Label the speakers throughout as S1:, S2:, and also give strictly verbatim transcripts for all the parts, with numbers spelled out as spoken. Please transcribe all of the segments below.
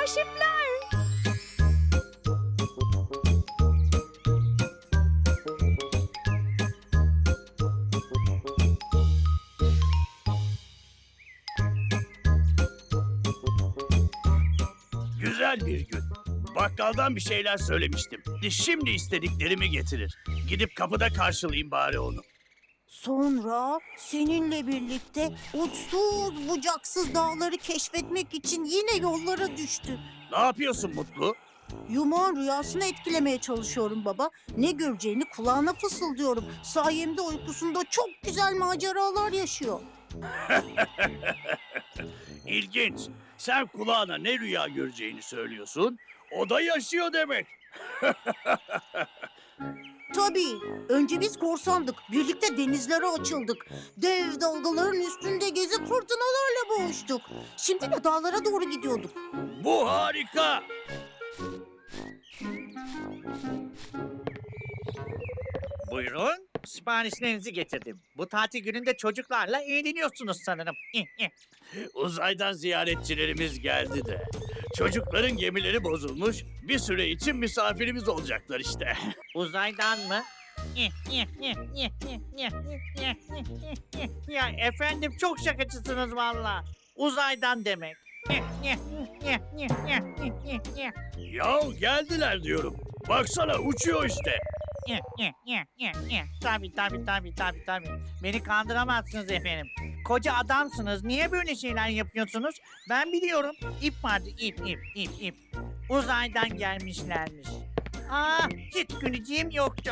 S1: kaşifler.
S2: Güzel bir gün. Bakkaldan bir şeyler söylemiştim. Şimdi istediklerimi getirir. Gidip kapıda karşılayayım bari onu.
S3: Sonra seninle birlikte uçsuz bucaksız dağları keşfetmek için yine yollara düştü.
S2: Ne yapıyorsun Mutlu?
S3: Yumağın rüyasını etkilemeye çalışıyorum baba. Ne göreceğini kulağına fısıldıyorum. Sayemde uykusunda çok güzel maceralar yaşıyor.
S2: İlginç. Sen kulağına ne rüya göreceğini söylüyorsun. O da yaşıyor demek.
S3: Tabii. Önce biz korsandık. Birlikte denizlere açıldık. Dev dalgaların üstünde gezip fırtınalarla boğuştuk. Şimdi de dağlara doğru gidiyorduk.
S2: Bu harika.
S4: Buyurun, siparişlerinizi getirdim. Bu tatil gününde çocuklarla eğleniyorsunuz sanırım.
S2: Uzaydan ziyaretçilerimiz geldi de. Çocukların gemileri bozulmuş. Bir süre için misafirimiz olacaklar işte.
S4: Uzaydan mı? Ya efendim çok şakacısınız valla. Uzaydan demek.
S2: Ya geldiler diyorum. Baksana uçuyor işte.
S4: Tabii tabii tabii tabii tabii. Beni kandıramazsınız efendim. Koca adamsınız. Niye böyle şeyler yapıyorsunuz? Ben biliyorum. İp vardı ip ip ip ip. Uzaydan gelmişlermiş. Ah hiç güleceğim yoktu.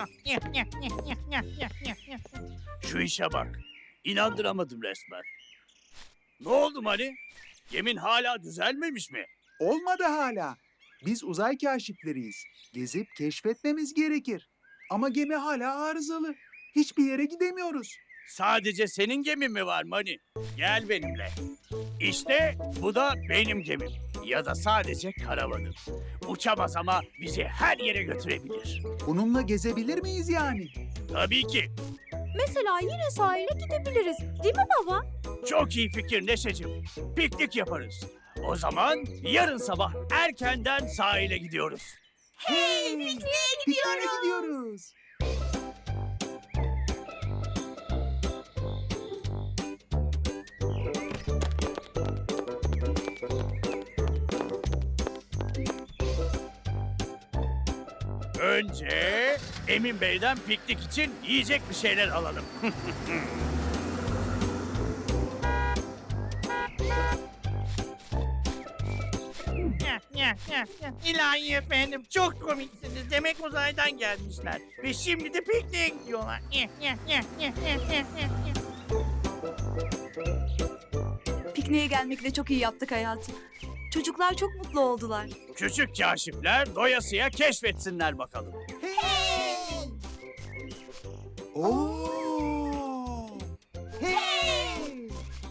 S2: Şu işe bak. İnandıramadım resmen. Ne oldu Mani? Gemin hala düzelmemiş mi?
S5: Olmadı hala. Biz uzay kaşifleriyiz. Gezip keşfetmemiz gerekir. Ama gemi hala arızalı. Hiçbir yere gidemiyoruz.
S2: Sadece senin gemin mi var Mani? Gel benimle. İşte bu da benim gemim. Ya da sadece karavanım. Uçamaz ama bizi her yere götürebilir.
S5: Bununla gezebilir miyiz yani?
S2: Tabii ki.
S1: Mesela yine sahile gidebiliriz. Değil mi baba?
S2: Çok iyi fikir Neşeciğim. Piknik yaparız. O zaman yarın sabah erkenden sahile gidiyoruz.
S3: Hey, pikniğe
S5: Pikniğe gidiyoruz.
S2: Önce Emin Bey'den piknik için yiyecek bir şeyler alalım.
S4: İlahi efendim çok komiksiniz. Demek uzaydan gelmişler. Ve şimdi de pikniğe gidiyorlar.
S6: Pikniğe gelmekle çok iyi yaptık hayatım. Çocuklar çok mutlu oldular.
S2: Küçük kaşifler doyasıya keşfetsinler bakalım.
S5: Oo! Hey!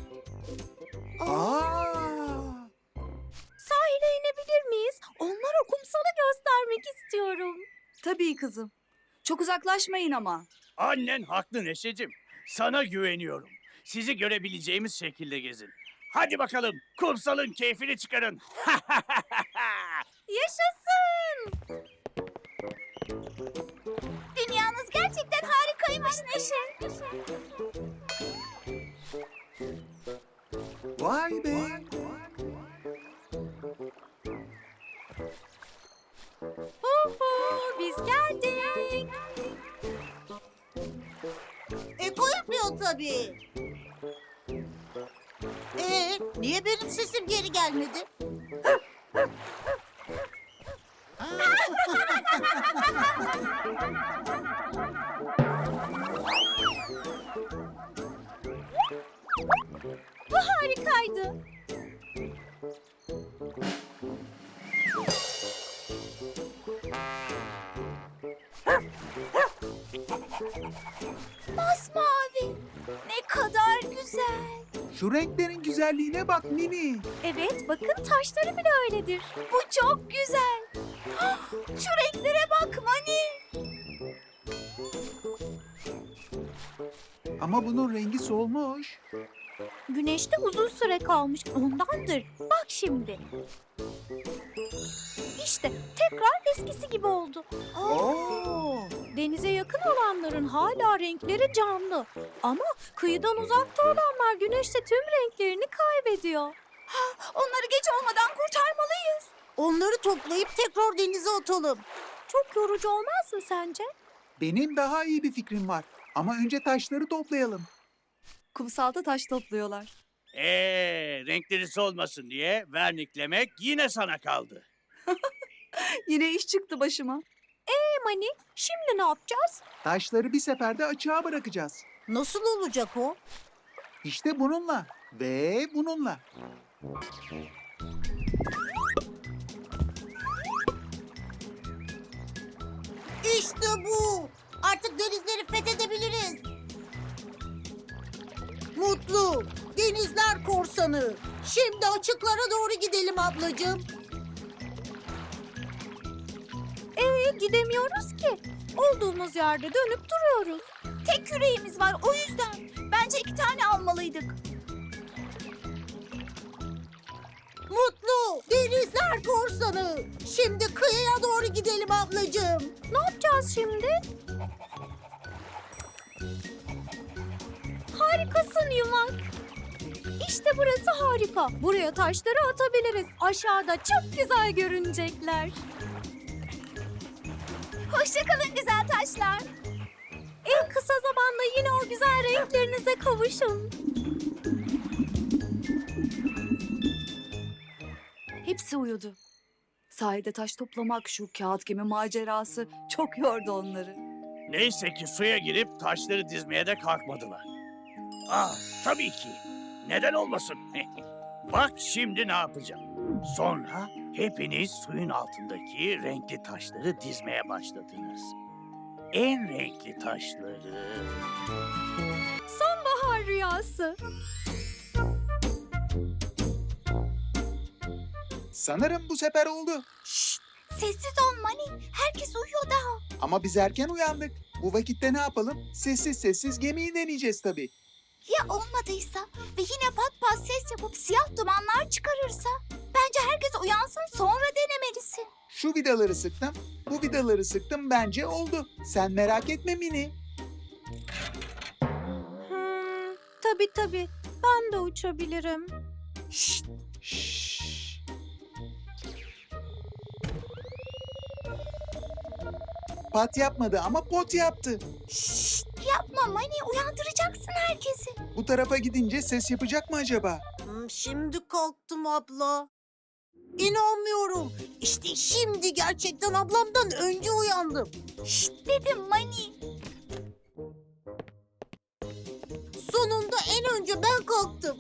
S5: Aa!
S1: Sahile inebilir miyiz? Onlara kumsalı göstermek istiyorum.
S6: Tabii kızım. Çok uzaklaşmayın ama.
S2: Annen haklı Neşeciğim. Sana güveniyorum. Sizi görebileceğimiz şekilde gezin. Hadi bakalım kumsalın keyfini çıkarın.
S1: Yaşasın! Dünyanız gerçekten harikaymış Neşe.
S5: Vay be!
S1: Uhu, biz geldik.
S3: Eko yapıyor tabii. Ee, niye benim sesim geri gelmedi?
S1: Bu harikaydı. Masmavi. Ne kadar güzel.
S5: Şu renklerin güzelliğine bak Mini.
S1: Evet, bakın taşları bile öyledir. Bu çok güzel. Ah, şu renklere bak Mani.
S5: Ama bunun rengi solmuş.
S1: Güneşte uzun süre kalmış ondandır. Bak şimdi. İşte tekrar eskisi gibi oldu.
S3: Oo.
S1: Denize yakın olanların hala renkleri canlı. Ama kıyıdan uzakta olanlar güneşte tüm renklerini kaybediyor. Onları geç olmadan kurtarmalıyız.
S3: Onları toplayıp tekrar denize atalım.
S1: Çok yorucu olmaz mı sence?
S5: Benim daha iyi bir fikrim var. Ama önce taşları toplayalım.
S6: Kumsalda taş topluyorlar.
S2: Ee, renkleri solmasın diye verniklemek yine sana kaldı.
S6: Yine iş çıktı başıma.
S1: E Mani, şimdi ne yapacağız?
S5: Taşları bir seferde açığa bırakacağız.
S3: Nasıl olacak o?
S5: İşte bununla ve bununla.
S3: İşte bu. Artık denizleri fethedebiliriz. Mutlu, denizler korsanı. Şimdi açıklara doğru gidelim ablacığım.
S1: Ee, gidemiyoruz ki. Olduğumuz yerde dönüp duruyoruz. Tek küreğimiz var o yüzden. Bence iki tane almalıydık.
S3: Mutlu, denizler korsanı. Şimdi kıyıya doğru gidelim ablacığım.
S1: Ne yapacağız şimdi? Harikasın Yumak. İşte burası harika. Buraya taşları atabiliriz. Aşağıda çok güzel görünecekler. Hoşçakalın güzel taşlar. En kısa zamanda yine o güzel renklerinize kavuşun.
S6: Hepsi uyudu. Sahilde taş toplamak, şu kağıt gemi macerası çok yordu onları.
S2: Neyse ki suya girip taşları dizmeye de kalkmadılar. Ah, tabii ki. Neden olmasın? Bak şimdi ne yapacağım. Sonra hepiniz suyun altındaki renkli taşları dizmeye başladınız. En renkli taşları...
S1: Sonbahar rüyası.
S5: Sanırım bu sefer oldu.
S1: Sessiz ol Mani. Herkes uyuyor daha.
S5: Ama biz erken uyandık. Bu vakitte ne yapalım? Sessiz sessiz gemiyi deneyeceğiz tabii.
S1: Ya olmadıysa ve yine pat pat ses yapıp siyah dumanlar çıkarırsa? Bence herkes uyansın sonra denemelisin.
S5: Şu vidaları sıktım, bu vidaları sıktım bence oldu. Sen merak etme Mini.
S1: Hmm, tabii tabii. Ben de uçabilirim.
S5: Şşş. Pat yapmadı ama pot yaptı.
S1: Şşt, yapma Mani. Uyandıracaksın herkesi.
S5: Bu tarafa gidince ses yapacak mı acaba?
S3: Hmm, şimdi kalktım abla. İnanmıyorum. İşte şimdi gerçekten ablamdan önce uyandım.
S1: Şşt dedim Mani.
S3: Sonunda en önce ben kalktım.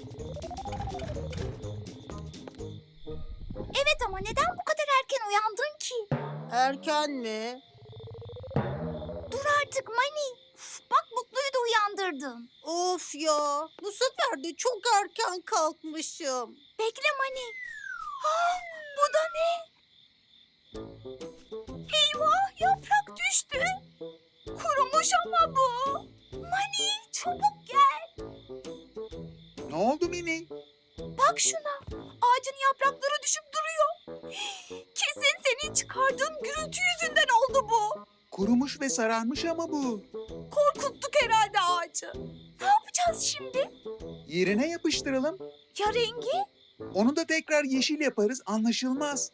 S1: Evet ama neden bu kadar erken uyandın ki?
S3: Erken mi?
S1: Dur artık Mani. Uf, bak Mutlu'yu da uyandırdın.
S3: Of ya, bu sefer de çok erken kalkmışım.
S1: Bekle Mani. Ah, bu da ne? Eyvah yaprak düştü. Kurumuş ama bu. Mani çabuk gel.
S5: Ne oldu Mini?
S1: Bak şuna. Ağacın yaprakları düşüp duruyor. Kesin senin çıkardığın gürültü yüzünden oldu bu.
S5: Kurumuş ve sararmış ama bu.
S1: Korkuttuk herhalde ağacı. Ne yapacağız şimdi?
S5: Yerine yapıştıralım.
S1: Ya rengi?
S5: Onu da tekrar yeşil yaparız, anlaşılmaz.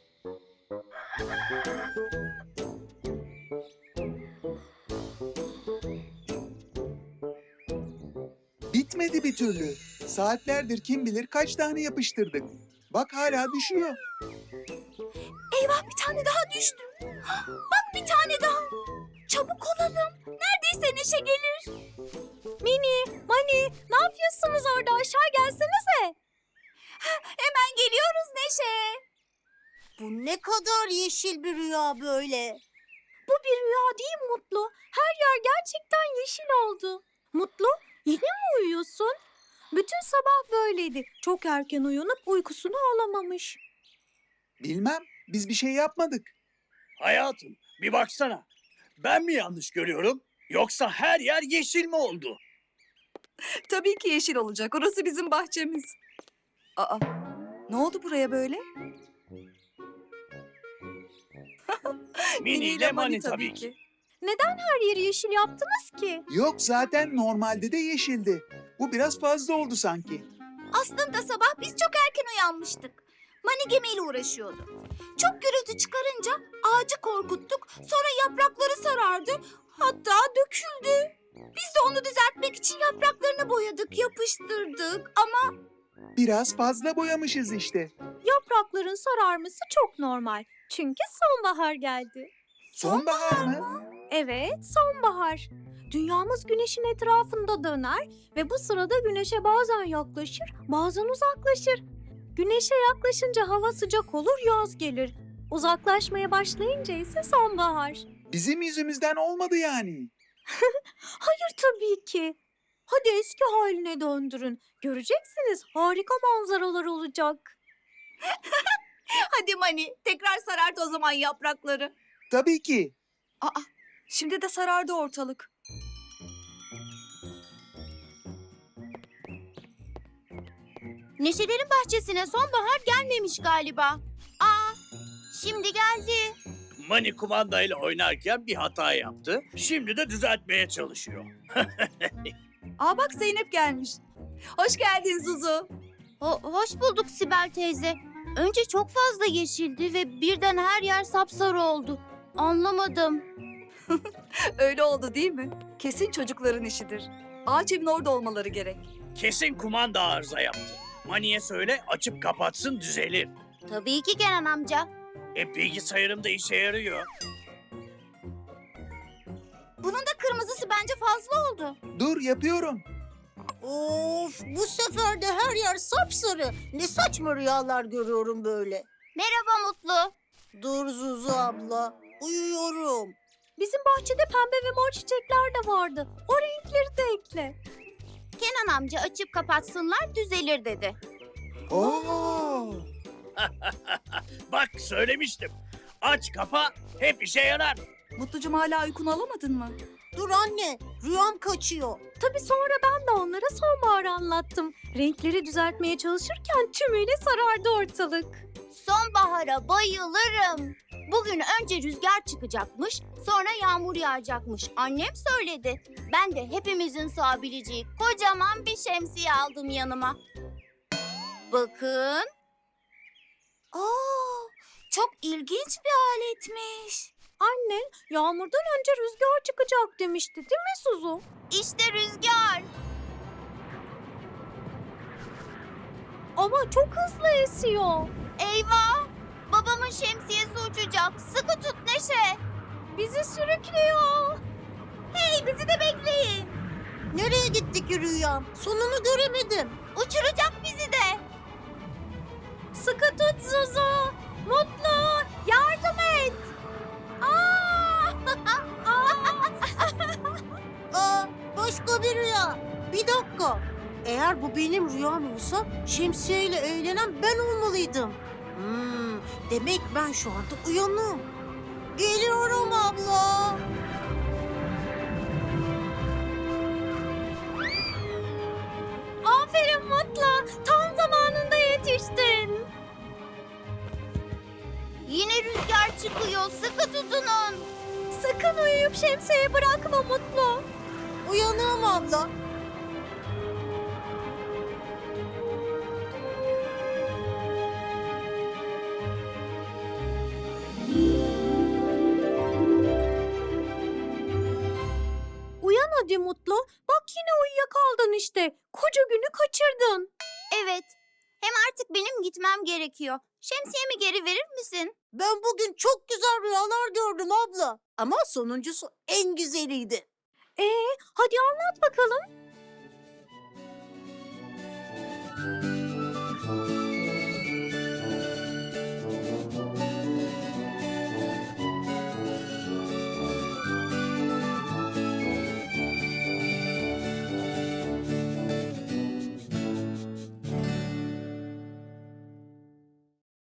S5: Bitmedi bir türlü. Saatlerdir kim bilir kaç tane yapıştırdık. Bak hala düşüyor.
S1: Eyvah bir tane daha düştü. Bak bir tane daha. Çabuk olalım. Neredeyse Neşe gelir. Mini, Mani ne yapıyorsunuz orada? Aşağı gelsenize. Hemen geliyoruz Neşe.
S3: Bu ne kadar yeşil bir rüya böyle.
S1: Bu bir rüya değil Mutlu. Her yer gerçekten yeşil oldu. Mutlu yine mi uyuyorsun? Bütün sabah böyleydi. Çok erken uyanıp uykusunu alamamış.
S5: Bilmem, biz bir şey yapmadık.
S2: Hayatım, bir baksana. Ben mi yanlış görüyorum? Yoksa her yer yeşil mi oldu?
S6: Tabii ki yeşil olacak. Orası bizim bahçemiz. Aa, ne oldu buraya böyle?
S2: Mini ile Mani tabii ki.
S1: Neden her yeri yeşil yaptınız ki?
S5: Yok zaten normalde de yeşildi. Bu biraz fazla oldu sanki.
S1: Aslında sabah biz çok erken uyanmıştık. Mani gemiyle uğraşıyordu. Çok gürültü çıkarınca ağacı korkuttuk. Sonra yaprakları sarardı. Hatta döküldü. Biz de onu düzeltmek için yapraklarını boyadık, yapıştırdık. Ama
S5: Biraz fazla boyamışız işte.
S1: yaprakların sararması çok normal. Çünkü sonbahar geldi.
S5: Sonbahar mı?
S1: Evet, sonbahar. Dünyamız güneşin etrafında döner ve bu sırada güneşe bazen yaklaşır, bazen uzaklaşır. Güneşe yaklaşınca hava sıcak olur, yaz gelir. Uzaklaşmaya başlayınca ise sonbahar.
S5: Bizim yüzümüzden olmadı yani.
S1: Hayır tabii ki. Hadi eski haline döndürün. Göreceksiniz, harika manzaralar olacak. Hadi Mani, tekrar sarart o zaman yaprakları.
S5: Tabii ki.
S6: Aa, şimdi de sarardı ortalık.
S1: Neşelerin bahçesine sonbahar gelmemiş galiba. Aa, şimdi geldi.
S2: Mani kumandayla oynarken bir hata yaptı. Şimdi de düzeltmeye çalışıyor.
S6: Aa bak Zeynep gelmiş. Hoş geldin Zuzu.
S1: Ho- hoş bulduk Sibel teyze. Önce çok fazla yeşildi ve birden her yer sapsarı oldu. Anlamadım.
S6: Öyle oldu değil mi? Kesin çocukların işidir. Ağaç evin orada olmaları gerek.
S2: Kesin kumanda arıza yaptı. Mani'ye söyle açıp kapatsın düzelir.
S1: Tabii ki Kenan amca.
S2: E bilgisayarımda işe yarıyor.
S1: Bunun da kırmızısı bence fazla oldu.
S5: Dur yapıyorum.
S3: Of, bu sefer de her yer sapsarı. Ne saçma rüyalar görüyorum böyle.
S1: Merhaba Mutlu.
S3: Dur Zuzu abla, uyuyorum.
S1: Bizim bahçede pembe ve mor çiçekler de vardı. O renkleri de ekle. Kenan amca açıp kapatsınlar düzelir dedi.
S5: Oo.
S2: Bak söylemiştim. Aç kapa hep işe yarar.
S6: Mutlucum hala uykunu alamadın mı?
S3: Dur anne, rüyam kaçıyor.
S1: Tabii sonra ben de onlara sonbaharı anlattım. Renkleri düzeltmeye çalışırken tümüyle sarardı ortalık. Sonbahara bayılırım. Bugün önce rüzgar çıkacakmış, sonra yağmur yağacakmış. Annem söyledi. Ben de hepimizin sığabileceği kocaman bir şemsiye aldım yanıma. Bakın. Aa, çok ilginç bir aletmiş. Annen yağmurdan önce rüzgar çıkacak demişti değil mi Suzu? İşte rüzgar. Ama çok hızlı esiyor. Eyvah! Babamın şemsiyesi uçacak. Sıkı tut Neşe. Bizi sürüklüyor. Hey bizi de bekleyin.
S3: Nereye gitti ki rüyam? Sonunu göremedim.
S1: Uçuracak bizi de. Sıkı tut Zuzu. Mutlu yardım et. Aa!
S3: Aa, başka bir rüya. Bir dakika. Eğer bu benim rüyam olsa şemsiyeyle eğlenen ben olmalıydım. Hmm, demek ben şu anda uyanım. Geliyorum abla.
S1: Aferin Mutlu. Tam zamanında yetiştin. Yine rüzgar çıkıyor. Sıkı tutunun. Sakın uyuyup şemsiyeyi bırakma Mutlu.
S3: Uyanığım abla.
S1: Uyan hadi Mutlu. Bak yine uyuyakaldın işte. Koca günü kaçırdın. Evet. Hem artık benim gitmem gerekiyor. Şemsiyemi geri verir misin?
S3: Ben bugün çok güzel rüyalar gördüm abla. Ama sonuncusu en güzeliydi.
S1: Ee, hadi anlat bakalım.